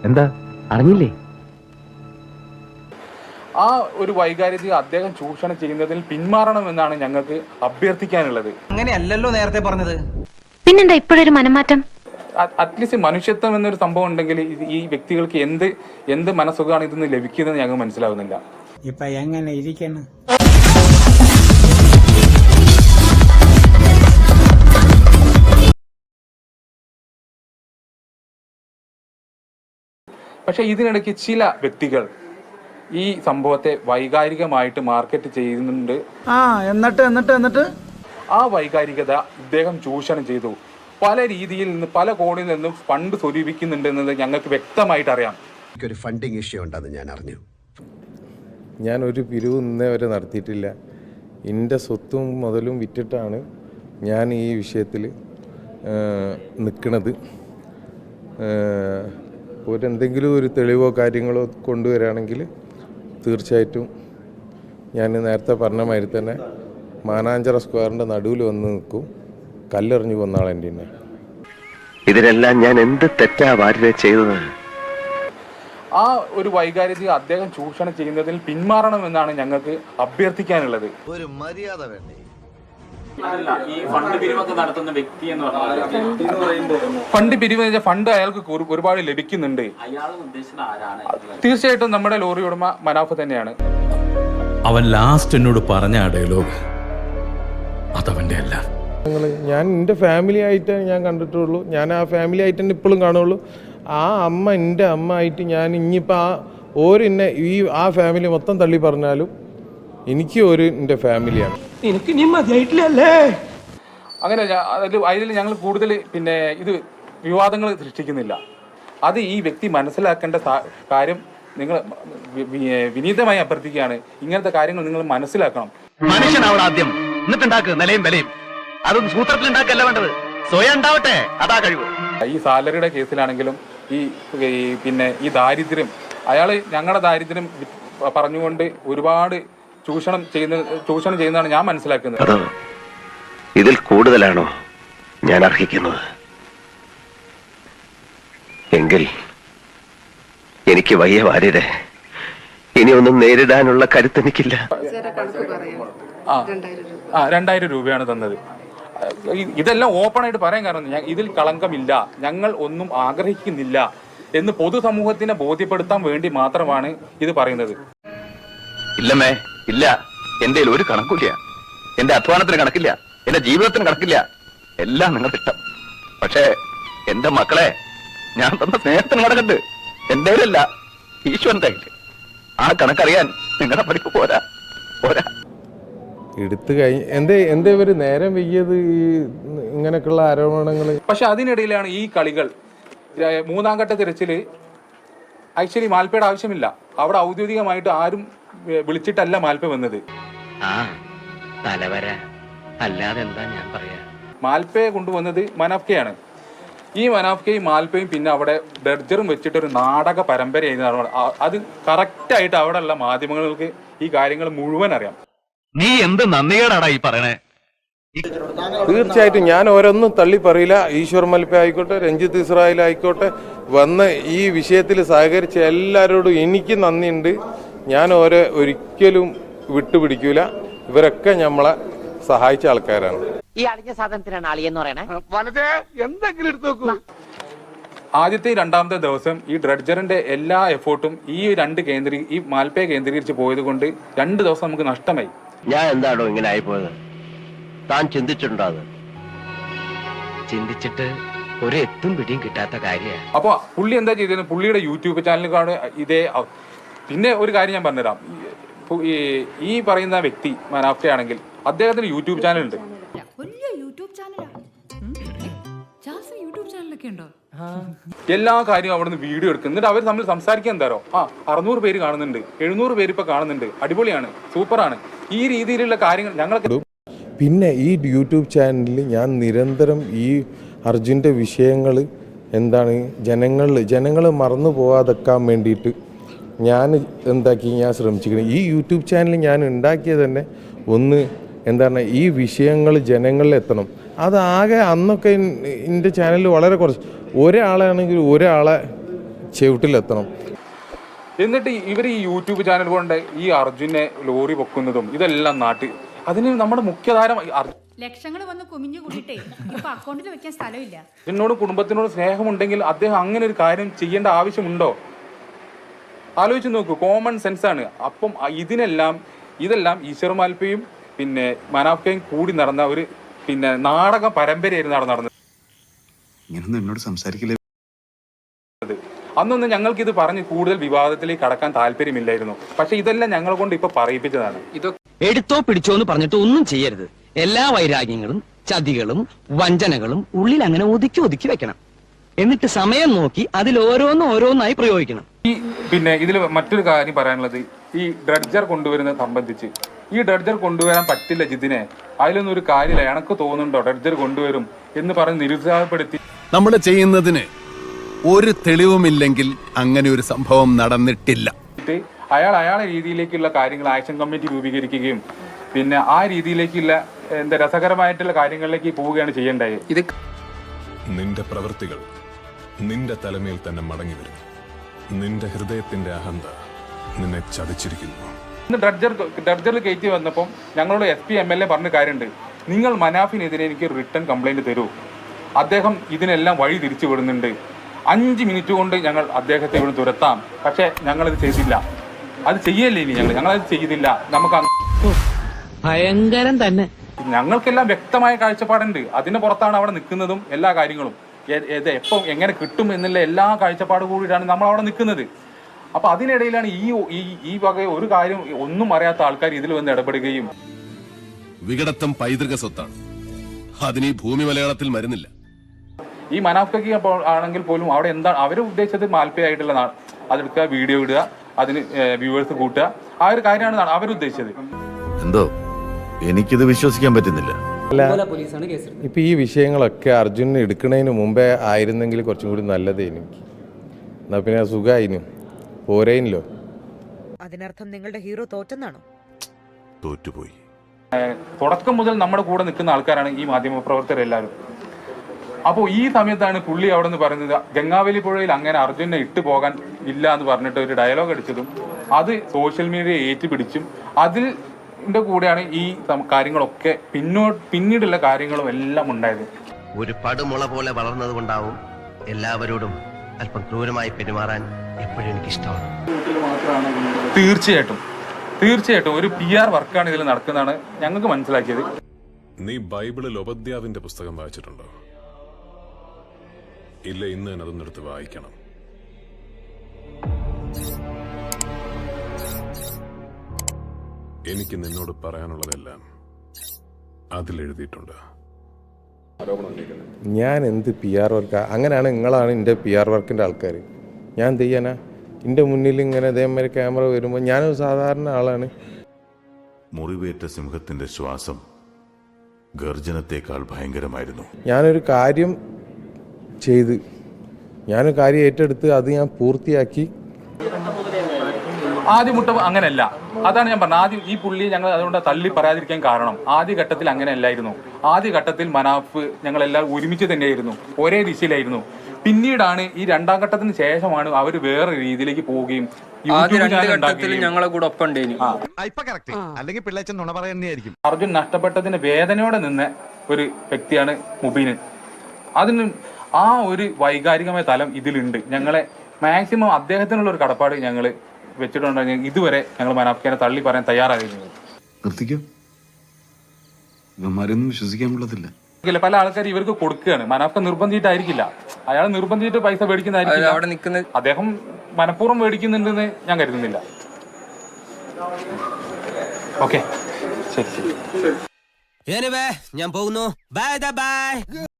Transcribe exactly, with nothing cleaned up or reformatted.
എന്താ അറിഞ്ഞില്ലേ? ആ ഒരു വൈകാരിക അദ്ദേഹം ചൂഷണം ചെയ്യുന്നതിൽ പിന്മാറണമെന്നാണ് ഞങ്ങൾക്ക് അഭ്യർത്ഥിക്കാനുള്ളത്. അങ്ങനെയല്ലല്ലോ നേരത്തെ പറഞ്ഞത്. പിന്നെന്താ ഇപ്പോഴൊരു മനംമാറ്റം? അറ്റ്ലീസ്റ്റ് മനുഷ്യത്വം എന്നൊരു സംഭവം ഉണ്ടെങ്കിൽ ഈ വ്യക്തികൾക്ക് എന്ത് എന്ത് മനസ്സുഖമാണ് ഇതെന്ന് ലഭിക്കുന്നത് ഞങ്ങൾക്ക് മനസ്സിലാവുന്നില്ല. ഇപ്പൊ എങ്ങനെ ഇരിക്കണം? പക്ഷെ ഇതിനിടയ്ക്ക് ചില വ്യക്തികൾ ഈ സംഭവത്തെ വൈകാരികമായിട്ട് മാർക്കറ്റ് ചെയ്യുന്നുണ്ട്. ആ എന്നിട്ട് എന്നിട്ട് എന്നിട്ട് ആ വൈകാരികത ഇദ്ദേഹം ചൂഷണം ചെയ്തു. പല രീതിയിൽ നിന്ന് പല കോണിൽ നിന്നും ഫണ്ട് സ്വരൂപിക്കുന്നുണ്ട് എന്നത് ഞങ്ങൾക്ക് വ്യക്തമായിട്ട് അറിയാം. ഒരു ഫണ്ടിങ് ഇഷ്യൂ ഉണ്ടെന്ന് ഞാൻ അറിഞ്ഞു. ഞാൻ ഒരു പിരിവ് ഇന്നേ വരെ നടത്തിയിട്ടില്ല. എൻ്റെ സ്വത്തും മുതലും വിറ്റിട്ടാണ് ഞാൻ ഈ വിഷയത്തിൽ നിൽക്കുന്നത്. ഒരു എന്തെങ്കിലും ഒരു തെളിവോ കാര്യങ്ങളോ കൊണ്ടുവരികയാണെങ്കിൽ തീർച്ചയായിട്ടും ഞാൻ നേരത്തെ പറഞ്ഞ മാതിരി തന്നെ മാനാഞ്ചിറ സ്ക്വയറിൻ്റെ നടുവിൽ വന്ന് നിൽക്കും. കല്ലെറിഞ്ഞു കൊന്നാളെൻ്റെ തന്നെ. ഇതിനെല്ലാം ഞാൻ എന്ത് തെറ്റാ വാര്യ ചെയ്തത്? ആ ഒരു വൈകാരിക അദ്ദേഹം ചൂഷണം ചെയ്യുന്നതിൽ പിന്മാറണമെന്നാണ് ഞങ്ങൾക്ക് അഭ്യർത്ഥിക്കാനുള്ളത്. ഒരു മര്യാദ വേണ്ടേ? ഈ ഫണ്ട് പിരിവൊക്കെ നടത്തുന്ന വ്യക്തി എന്ന് പറഞ്ഞാൽ ഫണ്ട് പിരിവ് ഫണ്ട് അയാൾക്ക് ഒരുപാട് ലഭിക്കുന്നുണ്ട്. തീർച്ചയായിട്ടും നമ്മുടെ ലോറി ഉടമ മനാഫ് തന്നെയാണ്. അവൻ ലാസ്റ്റ് എന്നോട് പറഞ്ഞ ആ ഡയലോഗ് അതവന്റെ അല്ല. ഞാൻ എൻ്റെ ഫാമിലി ആയിട്ട് ഞാൻ കണ്ടിട്ടുള്ളൂ. ഞാൻ ആ ഫാമിലി ആയിട്ട് തന്നെ ഇപ്പോഴും കാണുള്ളൂ. ആ അമ്മ എൻ്റെ അമ്മ ആയിട്ട് ഞാൻ ഇനിയിപ്പോൾ ആ ഓരെന്നെ ഈ ആ ഫാമിലി മൊത്തം തള്ളി പറഞ്ഞാലും എനിക്ക് ഒരു എൻ്റെ ഫാമിലിയാണ്. എനിക്ക് നീ മതിയായിട്ടില്ലല്ലേ? അങ്ങനെ അതിൽ അതിൽ ഞങ്ങൾ കൂടുതൽ പിന്നെ ഇത് വിവാദങ്ങൾ സൃഷ്ടിക്കുന്നില്ല. അത് ഈ വ്യക്തി മനസ്സിലാക്കേണ്ട കാര്യം നിങ്ങൾ വിനീതമായി അഭ്യർത്ഥിക്കുകയാണ്. ഇങ്ങനത്തെ കാര്യങ്ങൾ നിങ്ങൾ മനസ്സിലാക്കണം. മനുഷ്യനാവണം ആദ്യം, എന്നിട്ടുണ്ടാക്ക് നിലയും വിലയും. അതൊന്നും സൂത്രത്തിൽ ഉണ്ടാക്കല്ല വേണ്ടത്, സ്വയം ഉണ്ടാവട്ടെ. അതാ കഴിവ്. ഈ സാലറിയുടെ കേസിലാണെങ്കിലും ഈ പിന്നെ ഈ ദാരിദ്ര്യം അയാൾ ഞങ്ങളുടെ ദാരിദ്ര്യം പറഞ്ഞുകൊണ്ട് ഒരുപാട് ചൂഷണം ചെയ്യുന്ന ചൂഷണം ചെയ്യുന്നതാണ് ഞാൻ മനസ്സിലാക്കുന്നത്. അതോ ഇതിൽ കൂടുതലാണോ ഞാൻ അർഹിക്കുന്നത്? എങ്കിൽ എനിക്ക് വയ്യ വാര്യരെ, ഇനി ഒന്നും നേരിടാനുള്ള കരുത്തെനിക്കില്ല. ആ രണ്ടായിരം രൂപയാണ് തന്നത്. ഇതെല്ലാം ഓപ്പൺ ആയിട്ട് പറയാൻ കാരണം ഇതിൽ കളങ്കമില്ല, ഞങ്ങൾ ഒന്നും ആഗ്രഹിക്കുന്നില്ല എന്ന് പൊതുസമൂഹത്തിനെ ബോധ്യപ്പെടുത്താൻ വേണ്ടി മാത്രമാണ് ഇത് പറയുന്നത്. ഇല്ലമ്മേ, ഇല്ല. എന്റെ ഒരു കണക്കില്ല. എന്റെ അധ്വാനത്തിന് കണക്കില്ല, എന്റെ ജീവിതത്തിന് കണക്കില്ല. എല്ലാം നിങ്ങൾ ഇഷ്ടം. പക്ഷേ എന്റെ മക്കളെ ഞാൻ തന്ന സ്നേഹത്തിന് കണക്കുണ്ട്. എന്റെ അല്ല, ഈശ്വരന്റെ കയ്യിൽ. ആ കണക്കറിയാൻ നിങ്ങളുടെ പഠിപ്പ് പോരാ പോരാ എടുത്തു കഴിഞ്ഞ് എന്തേ എന്തേ ഇവർ നേരം വെയ്യത് ഈ ഇങ്ങനെയൊക്കെയുള്ള ആരോപണങ്ങൾ. പക്ഷെ അതിനിടയിലാണ് ഈ കളികൾ. മൂന്നാം ഘട്ട തിരച്ചിൽ ആക്ച്വലി മാൽപ്പയുടെ ആവശ്യമില്ല. അവിടെ ഔദ്യോഗികമായിട്ട് ആരും വിളിച്ചിട്ടല്ല മാൽപ്പ വന്നത്. മാൽപ്പയെ കൊണ്ടുവന്നത് മനാഫ്കയാണ്. ഈ മനാഫ്കയും മാൽപ്പയും പിന്നെ അവിടെ ഡർജറും വെച്ചിട്ടൊരു നാടക പരമ്പരയായിരുന്നു. അത് കറക്റ്റായിട്ട് അവിടെയുള്ള മാധ്യമങ്ങൾക്ക് ഈ കാര്യങ്ങൾ മുഴുവൻ അറിയാം. നീ എന്ത് നന്ദികേടാടാ ഈ പറയണേ? തീർച്ചയായിട്ടും ഞാൻ ഓരോന്നും തള്ളി പറയില്ല. ഈശ്വർ മൽപ്പ ആയിക്കോട്ടെ, രഞ്ജിത്ത് ഇസ്രായേൽ ആയിക്കോട്ടെ, വന്ന് ഈ വിഷയത്തിൽ സഹകരിച്ച എല്ലാവരോടും എനിക്ക് നന്ദിയുണ്ട്. ഞാൻ ഓരോ ഒരിക്കലും വിട്ടുപിടിക്കൂല. ഇവരൊക്കെ നമ്മളെ സഹായിച്ച ആൾക്കാരാണ്. ഈ അടിഞ്ഞ സാധനത്തിനാണ് അളിയെന്ന് പറയണേ. എന്തെങ്കിലും എടുത്തു നോക്കൂ. ആദ്യത്തെ രണ്ടാമത്തെ ദിവസം ഈ ഡ്രഡ്ജറിന്റെ എല്ലാ എഫേർട്ടും ഈ രണ്ട് കേന്ദ്രീ ഈ മാൽപ്പയെ കേന്ദ്രീകരിച്ച് പോയത് കൊണ്ട് രണ്ട് ദിവസം നമുക്ക് നഷ്ടമായി. ഞാൻ എന്താണോ ഇങ്ങനെ ആയിപ്പോയത്? താൻ ചിന്തിച്ചിട്ടുണ്ടോ? അത് ചിന്തിച്ചിട്ട് ഒരു എത്തും പിടിയും കിട്ടാത്ത കാര്യമാണ്. അപ്പൊ പുള്ളി എന്താ ചെയ്തത്? പുള്ളിയുടെ യൂട്യൂബ് ചാനലിലാണ് ഇതേ. പിന്നെ ഒരു കാര്യം ഞാൻ പറഞ്ഞുതരാം. ഈ പറയുന്ന വ്യക്തി മനാഫ്കയാണെങ്കിൽ അദ്ദേഹത്തിന് യൂട്യൂബ് ചാനൽ ഉണ്ട്. എല്ലാ കാര്യവും അവിടുന്ന് വീഡിയോ എടുക്കും. എന്നിട്ട് അവർ തമ്മിൽ സംസാരിക്കാൻ എന്താരോ ആ അറുന്നൂറ് പേര് കാണുന്നുണ്ട്, എഴുന്നൂറ് പേര് ഇപ്പൊ കാണുന്നുണ്ട്, അടിപൊളിയാണ്, സൂപ്പറാണ്. ഈ രീതിയിലുള്ള കാര്യങ്ങൾ ഞങ്ങൾക്ക്. പിന്നെ ഈ യൂട്യൂബ് ചാനലിൽ ഞാൻ നിരന്തരം ഈ അർജുൻ്റെ വിഷയങ്ങൾ എന്താണ് ജനങ്ങളിൽ ജനങ്ങൾ മറന്നു പോകാതെക്കാൻ വേണ്ടിയിട്ട് ഞാൻ എന്താക്കി ഞാൻ ശ്രമിച്ചിരിക്കുന്നത്. ഈ യൂട്യൂബ് ചാനൽ ഞാൻ ഉണ്ടാക്കിയത് തന്നെ ഒന്ന് എന്താണ് ഈ വിഷയങ്ങൾ ജനങ്ങളിൽ എത്തണം. അതാകെ അന്നൊക്കെ എൻ്റെ ചാനലിൽ വളരെ കുറച്ച് ഒരാളാണെങ്കിൽ ഒരാളെ ചെവിട്ടിലെത്തണം. എന്നിട്ട് ഇവർ ഈ യൂട്യൂബ് ചാനൽ കൊണ്ട് ഈ അർജുനെ ലോറി പൊക്കുന്നതും ഇതെല്ലാം നാട്ട് അതിന് നമ്മുടെ മുഖ്യധാര ലക്ഷങ്ങൾ വന്ന് കുമിഞ്ഞു കൂടിയിട്ടേ ഇപ്പൊ അക്കൗണ്ടിൽ വെക്കാൻ സ്ഥലമില്ല. അർജുനോടും കുടുംബത്തിനോടും സ്നേഹമുണ്ടെങ്കിൽ അദ്ദേഹം അങ്ങനെ ഒരു കാര്യം ചെയ്യേണ്ട ആവശ്യമുണ്ടോ? ആലോചിച്ച് നോക്കൂ, കോമൺ സെൻസ് ആണ്. അപ്പം ഇതിനെല്ലാം ഇതെല്ലാം ഈശ്വർ മാൽപ്പയും പിന്നെ മനാഫ്കയും കൂടി നടന്ന ഒരു പിന്നെ നാടക പരമ്പരയായിരുന്നു അവിടെ നടന്നത്. ഇങ്ങനൊന്നും എന്നോട് സംസാരിക്കില്ല. അന്നൊന്നും ഞങ്ങൾക്ക് ഇത് പറഞ്ഞ് കൂടുതൽ വിവാദത്തിലേക്ക് കടക്കാൻ താല്പര്യമില്ലായിരുന്നു. പക്ഷെ ഇതെല്ലാം ഞങ്ങളെ കൊണ്ട് ഇപ്പൊ പറയിപ്പിച്ചതാണ്. എടുത്തോ പിടിച്ചോ എന്ന് പറഞ്ഞിട്ട് ഒന്നും ചെയ്യരുത്. എല്ലാ വൈരാഗ്യങ്ങളും ചതികളും വഞ്ചനകളും ഉള്ളിൽ അങ്ങനെ ഒതുക്കി ഒതുക്കി വെക്കണം. എന്നിട്ട് സമയം നോക്കി അതിൽ ഓരോന്നും ഓരോന്നായി പ്രയോഗിക്കണം. ഈ പിന്നെ ഇതിൽ മറ്റൊരു കാര്യം പറയാനുള്ളത്, ഈ ഡ്രഡ്ജർ കൊണ്ടുവരുന്നത് സംബന്ധിച്ച് ഈ ഡ്രഡ്ജർ കൊണ്ടുവരാൻ പറ്റില്ല ജിതിനെ, അതിലൊന്നും ഒരു കാര്യമില്ല, എനക്ക് തോന്നുന്നുണ്ടോ ഡ്രഡ്ജർ കൊണ്ടുവരും എന്ന് പറഞ്ഞ് നിരുത്സാഹപ്പെടുത്തി. നമ്മൾ ചെയ്യുന്നതിന് ഒരു തെളിവുമില്ലെങ്കിൽ അങ്ങനെ ഒരു സംഭവം നടന്നിട്ടില്ല. അയാൾ അയാളെ രീതിയിലേക്കുള്ള കാര്യങ്ങൾ ആക്ഷൻ കമ്മിറ്റി രൂപീകരിക്കുകയും പിന്നെ ആ രീതിയിലേക്കുള്ള എന്താ രസകരമായിട്ടുള്ള കാര്യങ്ങളിലേക്ക് പോവുകയാണ് ചെയ്യേണ്ടത്. ഇത് നിന്റെ പ്രവൃത്തികൾ നിന്റെ തലമേൽ തന്നെ മടങ്ങി വരും. നിന്റെ ഹൃദയത്തിന്റെ അഹന്ത നിന്നെ ചതിച്ചിരിക്കുന്നു. ഇന്ന് ഡ്രഡ്ജർ ഡ്രഡ്ജറിൽ കയറ്റി വന്നപ്പം ഞങ്ങളോട് S P M L A പറഞ്ഞ കാര്യമുണ്ട്, നിങ്ങൾ മനാഫിനെതിരെ എനിക്ക് റിട്ടേൺ കംപ്ലൈന്റ് തരൂ, അദ്ദേഹം ഇതിനെല്ലാം വഴി തിരിച്ചു വിടുന്നുണ്ട്, അഞ്ച് മിനിറ്റ് കൊണ്ട് ഞങ്ങൾ അദ്ദേഹത്തെ ഇവിടെ തുരത്താം. പക്ഷെ ഞങ്ങളത് ചെയ്തില്ല. അത് ചെയ്യല്ലേ ഇനി ഞങ്ങൾ ഞങ്ങളത് ചെയ്തില്ല. നമുക്ക് ഭയങ്കരം തന്നെ. ഞങ്ങൾക്കെല്ലാം വ്യക്തമായ കാഴ്ചപ്പാടുണ്ട്. അതിന് പുറത്താണ് അവിടെ നിൽക്കുന്നതും എല്ലാ കാര്യങ്ങളും. ഏത് എപ്പം എങ്ങനെ കിട്ടും എന്നുള്ള എല്ലാ കാഴ്ചപ്പാട് കൂടിയിട്ടാണ് നമ്മൾ അവിടെ നിൽക്കുന്നത്. അപ്പൊ അതിനിടയിലാണ് ഈ ഈ വക ഒരു കാര്യം ഒന്നും അറിയാത്ത ആൾക്കാർ ഇതിൽ വന്ന് ഇടപെടുകയും. വികടത്വം പൈതൃക സ്വത്താണ്, അതിന് ഈ ഭൂമി മലയാളത്തിൽ മരുന്നില്ല. ഈ മനാഫ്കയ്ക്ക് ആണെങ്കിൽ പോലും അവിടെ എന്താണ് അവർ ഉദ്ദേശിച്ചത്, മാൽപ്പയായിട്ടുള്ള അതെടുക്കുക, വീഡിയോ ഇടുക, അതിന് വ്യൂവേഴ്സ് കൂട്ടുക, ആ ഒരു കാര്യമാണ് അവരുദ്ദേശിച്ചത്. എന്തോ എനിക്കിത് വിശ്വസിക്കാൻ പറ്റുന്നില്ല. ഇപ്പൊ ഈ വിഷയങ്ങളൊക്കെ അർജുനെ എടുക്കുന്നതിന് മുമ്പേ ആയിരുന്നെങ്കിൽ കുറച്ചും കൂടി നല്ലതേനു. എന്നാ പിന്നെ സുഖമായിനും പോരേനല്ലോ. അതിനർത്ഥം നിങ്ങളുടെ ഹീറോ തോറ്റെന്നാണോ? തോറ്റുപോയി. തുടക്കം മുതൽ നമ്മുടെ കൂടെ നിൽക്കുന്ന ആൾക്കാരാണ് ഈ മാധ്യമപ്രവർത്തകർ എല്ലാവരും. അപ്പോൾ ഈ സമയത്താണ് പുള്ളി അവിടെ നിന്ന് പറയുന്നത് ഗംഗാവലി പുഴയിൽ അങ്ങനെ അർജുനെ ഇട്ടു പോകാൻ ഇല്ല എന്ന് പറഞ്ഞിട്ട് ഒരു ഡയലോഗ് അടിച്ചതും അത് സോഷ്യൽ മീഡിയ ഏറ്റുപിടിച്ചും അതിൻ്റെ കൂടെയാണ് ഈ കാര്യങ്ങളൊക്കെ പിന്നോ പിന്നീടുള്ള കാര്യങ്ങളും എല്ലാം ഉണ്ടായത്. ഒരു പടുമുള പോലെ വളർന്നത് കൊണ്ടാവും എല്ലാവരോടും അല്പം ക്രൂരമായി പെരുമാറാൻ എപ്പോഴും എനിക്കിഷ്ടമാണ്. തീർച്ചയായിട്ടും തീർച്ചയായിട്ടും ഒരു പി ആർ വർക്കാണ് ഇതിൽ നടക്കുന്നതാണ് ഞങ്ങൾക്ക് മനസ്സിലാക്കിയത്. നീ ബൈബിളിൽ ഉപദ്യാവിന്റെ പുസ്തകം വായിച്ചിട്ടുണ്ടോ? ഇല്ല, ഇന്ന് തന്നെ അതൊന്നും എടുത്ത് വായിക്കണം. എനിക്ക് നിന്നോട് പറയാനുള്ളതെല്ലാം അതിലെഴുതിയിട്ടുണ്ട്. ഞാൻ എന്ത് പി ആർ വർക്കാ? അങ്ങനെയാണ് നിങ്ങളാണ് എൻ്റെ പി ആർ വർക്കിൻ്റെ ആൾക്കാർ. ഞാൻ എന്ത് ചെയ്യാനാ? എൻ്റെ മുന്നിൽ ഇങ്ങനെ അതേമാതിരി ക്യാമറ വരുമ്പോൾ ഞാനൊരു സാധാരണ ആളാണ്. മുറിവേറ്റ സിംഹത്തിന്റെ ശ്വാസം ഗർജനത്തെക്കാൾ ഭയങ്കരമായിരുന്നു. ഞാനൊരു കാര്യം ചെയ്ത് ഞാനൊരു കാര്യം ഏറ്റെടുത്ത് അത് ഞാൻ പൂർത്തിയാക്കി. ആദ്യ മുട്ട അങ്ങനെയല്ല, അതാണ് ഞാൻ പറഞ്ഞത്. ആദ്യം ഈ പുള്ളി ഞങ്ങൾ അതുകൊണ്ട് തള്ളി പറയാതിരിക്കാൻ കാരണം ആദ്യ ഘട്ടത്തിൽ അങ്ങനെ അല്ലായിരുന്നു. ആദ്യ ഘട്ടത്തിൽ മനാഫ് ഞങ്ങളെല്ലാം ഒരുമിച്ച് തന്നെയായിരുന്നു, ഒരേ ദിശയിലായിരുന്നു. പിന്നീടാണ് ഈ രണ്ടാം ഘട്ടത്തിന് ശേഷമാണ് അവർ വേറെ രീതിയിലേക്ക് പോവുകയും ഞങ്ങളെ കൂടെ ഒപ്പം അർജുൻ നഷ്ടപ്പെട്ടതിന് വേദനയോടെ നിന്ന ഒരു വ്യക്തിയാണ് മുബീന്. അതിന് ആ ഒരു വൈകാരികമായ തലം ഇതിലുണ്ട്. ഞങ്ങളെ മാക്സിമം അദ്ദേഹത്തിനുള്ള ഒരു കടപ്പാട് ഞങ്ങൾ വെച്ചിട്ടുണ്ടെങ്കിൽ ഇതുവരെ ഞങ്ങൾ മനാഫ്ഖാനെ തള്ളി പറയാൻ തയ്യാറായിരുന്നു. വിശ്വസിക്കാനുള്ളതില്ല. പല ആൾക്കാർ ഇവർക്ക് കൊടുക്കുകയാണ്. മനാഫ്ഖ നിർബന്ധിച്ചിട്ടായിരിക്കില്ല, അയാൾ നിർബന്ധിച്ചിട്ട് പൈസ മേടിക്കുന്നതായിരിക്കും. അദ്ദേഹം മനഃപൂർവ്വം മേടിക്കുന്നുണ്ടെന്ന് ഞാൻ കരുതുന്നില്ല. ഓക്കെ, ശരി ശരി. ഞാൻ പോകുന്നു. Bye by.